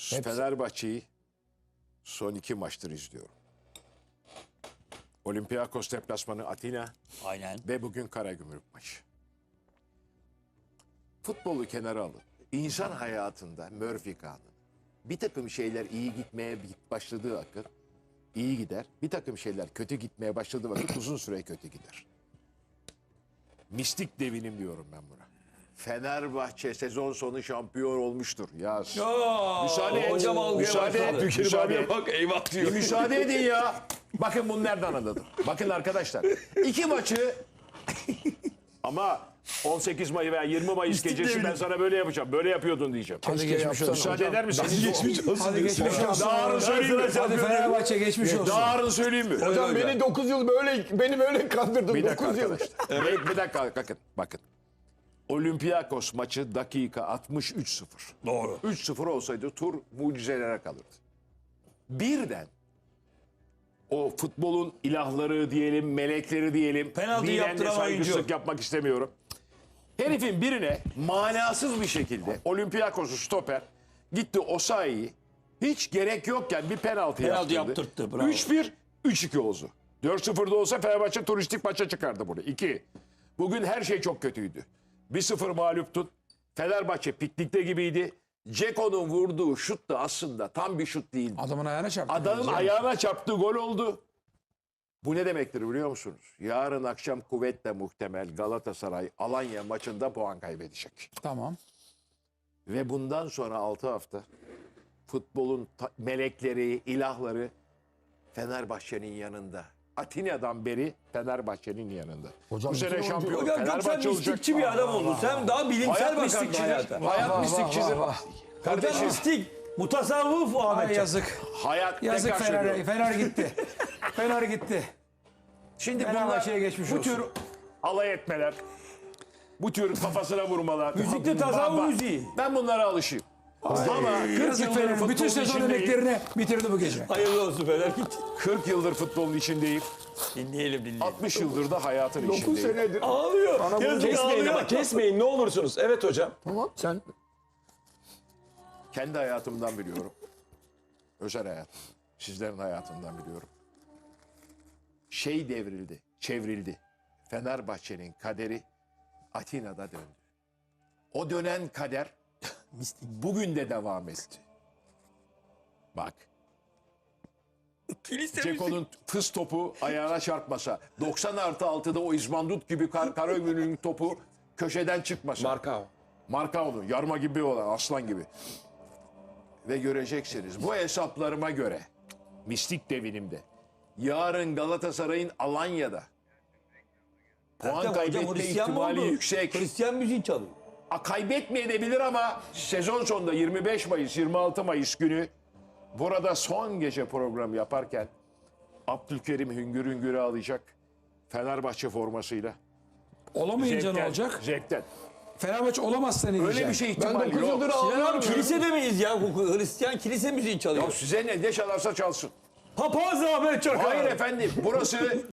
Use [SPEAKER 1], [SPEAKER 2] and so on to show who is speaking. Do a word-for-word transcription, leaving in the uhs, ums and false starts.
[SPEAKER 1] Fenerbahçe'yi son iki maçtır izliyorum. Olympiakos deplasmanı Atina
[SPEAKER 2] Aynen.
[SPEAKER 1] ve bugün Karagümrük maçı. Futbolu kenara alın. İnsan hayatında Murphy kanunu. Bir takım şeyler iyi gitmeye başladığı vakit iyi gider. Bir takım şeyler kötü gitmeye başladığı vakit uzun süre kötü gider. Mistik devinim diyorum ben buna. Fenerbahçe sezon sonu şampiyon olmuştur. Yaz.
[SPEAKER 2] Ya,
[SPEAKER 1] Müsaade et.
[SPEAKER 2] hocam algıya
[SPEAKER 1] Müsaade et.
[SPEAKER 2] başladı.
[SPEAKER 1] Müsaade et.
[SPEAKER 3] Bak eyvah
[SPEAKER 1] Bir
[SPEAKER 3] diyor.
[SPEAKER 1] müsaade edin ya. Bakın bunu nereden anladım. Bakın arkadaşlar. İki maçı ama on sekiz Mayıs veya yirmi Mayıs gecesi ben sana böyle yapacağım. Böyle yapıyordun diyeceğim.
[SPEAKER 4] Hadi geçmiş olsun.
[SPEAKER 1] Müsaade eder misiniz?
[SPEAKER 3] Geçmiş olsun.
[SPEAKER 4] Hadi geçmiş olsun.
[SPEAKER 1] Yarın söyleyeyim mi?
[SPEAKER 4] Hadi Fenerbahçe geçmiş olsun.
[SPEAKER 1] Yarın söyleyeyim mi?
[SPEAKER 3] Hocam beni dokuz yıl böyle beni böyle kandırdın.
[SPEAKER 1] Bir dakika
[SPEAKER 3] dokuz yıl.
[SPEAKER 1] arkadaşlar. Bir, bir dakika bakın. Bakın. Olympiakos maçı dakika altmış üç sıfır.
[SPEAKER 2] Doğru.
[SPEAKER 1] üç sıfır olsaydı tur mucizelere kalırdı. Birden o futbolun ilahları diyelim, melekleri diyelim.
[SPEAKER 2] Penaltı
[SPEAKER 1] bilen de
[SPEAKER 2] yaptıran
[SPEAKER 1] saygısızlık
[SPEAKER 2] oyuncu.
[SPEAKER 1] yapmak istemiyorum. Herifin birine manasız bir şekilde Olympiakos'u stoper gitti Osayi'yi hiç gerek yokken bir penaltı,
[SPEAKER 2] Penaltı
[SPEAKER 1] yaptırdı.
[SPEAKER 2] yaptırttı, bravo.
[SPEAKER 1] üç bir, üç iki oldu. dört sıfırda olsa Fenerbahçe turistik maça çıkardı bunu. iki. Bugün her şey çok kötüydü. bir sıfır mağluptun. Fenerbahçe piknikte gibiydi. Ceko'nun vurduğu şut da aslında tam bir şut değildi.
[SPEAKER 4] Adamın ayağına çarptı.
[SPEAKER 1] Adamın ayağına çarptığı gol oldu. Bu ne demektir biliyor musunuz? Yarın akşam kuvvetle muhtemel Galatasaray Alanya maçında puan kaybedecek.
[SPEAKER 4] Tamam.
[SPEAKER 1] Ve bundan sonra altı hafta futbolun ta- melekleri, ilahları Fenerbahçe'nin yanında. Atina'dan beri Fenerbahçe'nin yanında.
[SPEAKER 3] Hocam
[SPEAKER 1] Bu sene
[SPEAKER 3] bütün
[SPEAKER 1] şampiyon
[SPEAKER 2] Hocam çok sen
[SPEAKER 1] Fenerbahçe olacak.
[SPEAKER 2] mistikçi bir adam oldun. Sen daha bilimsel
[SPEAKER 1] Hayat
[SPEAKER 2] bakardın
[SPEAKER 1] mistikçidir.
[SPEAKER 2] hayata.
[SPEAKER 1] Hayat
[SPEAKER 4] vah,
[SPEAKER 1] mistikçidir.
[SPEAKER 4] vah, vah.
[SPEAKER 2] Hocam
[SPEAKER 1] Kardeşim,
[SPEAKER 2] mistik. Mutasavvuf
[SPEAKER 4] Ay
[SPEAKER 2] Ahmet.
[SPEAKER 4] yazık.
[SPEAKER 1] hayat
[SPEAKER 4] Yazık
[SPEAKER 1] tekrar
[SPEAKER 4] Fener.
[SPEAKER 1] söylüyorum.
[SPEAKER 4] Fener gitti. Fener gitti.
[SPEAKER 1] Şimdi bunlar
[SPEAKER 4] Fenerbahçe'ye geçmiş
[SPEAKER 1] bu
[SPEAKER 4] olsun.
[SPEAKER 1] tür alay etmeler, bu tür kafasına vurmalar.
[SPEAKER 2] Müzikte tasavvuf
[SPEAKER 1] Bak, bak,
[SPEAKER 2] müziği.
[SPEAKER 1] Ben bunlara alışayım. Ama kırk
[SPEAKER 4] Yazık
[SPEAKER 1] yıldır
[SPEAKER 4] Fener'in bütün
[SPEAKER 1] futbolun
[SPEAKER 4] sezon
[SPEAKER 1] içindeyim.
[SPEAKER 4] emeklerini bitirdi bu gece.
[SPEAKER 2] Hayırlı olsun Fener git.
[SPEAKER 1] kırk yıldır futbolun içindeyim.
[SPEAKER 2] Dinleyelim dinleyelim.
[SPEAKER 1] altmış yıldır da hayatın
[SPEAKER 3] dokuz
[SPEAKER 1] içindeyim.
[SPEAKER 3] senedir.
[SPEAKER 2] Ağlıyor. Yazık
[SPEAKER 3] Kesmeyin
[SPEAKER 2] ağlıyor.
[SPEAKER 3] ama kesmeyin ne olursunuz. Evet hocam.
[SPEAKER 4] Tamam sen.
[SPEAKER 1] Kendi hayatımdan biliyorum. Özel hayatım. Sizlerin hayatından biliyorum. Şey devrildi, çevrildi. Fenerbahçe'nin kaderi Atina'da döndü. O dönen kader bugün de devam etti. Bak. Ceko'nun fıs topu ayağına çarpmasa, doksan artı altıda o İzmandut gibi kar Karagümrük'ün topu köşeden çıkmasa.
[SPEAKER 3] Marka.
[SPEAKER 1] Markao'nun yarma gibi olan aslan gibi. Ve göreceksiniz bu hesaplarıma göre mistik devinimde yarın Galatasaray'ın Alanya'da puan
[SPEAKER 2] Hocam
[SPEAKER 1] kaybetme
[SPEAKER 2] Hristiyan mı
[SPEAKER 1] ihtimali
[SPEAKER 2] oldu?
[SPEAKER 1] yüksek.
[SPEAKER 2] Hristiyan müziği çalıyor.
[SPEAKER 1] A, kaybetmeyebilir ama sezon sonunda yirmi beş Mayıs yirmi altı Mayıs günü burada son gece programı yaparken Abdülkerim hüngür hüngür ağlayacak Fenerbahçe formasıyla.
[SPEAKER 4] Olamayınca ne olacak?
[SPEAKER 1] Zevkten.
[SPEAKER 4] Fenerbahçe olamazsa ne diyecek?
[SPEAKER 1] Öyle bir şey
[SPEAKER 3] Ben
[SPEAKER 1] ihtimal
[SPEAKER 3] dokuz
[SPEAKER 1] yok.
[SPEAKER 3] yıldır
[SPEAKER 2] Sinan abi
[SPEAKER 3] ağlıyorum.
[SPEAKER 2] kilisede miyiz ya? Hristiyan kilise müziği çalıyor.
[SPEAKER 1] Ya size ne, ne çalarsa çalsın.
[SPEAKER 2] Papaz Ahmet Çakar.
[SPEAKER 1] Hayır efendim burası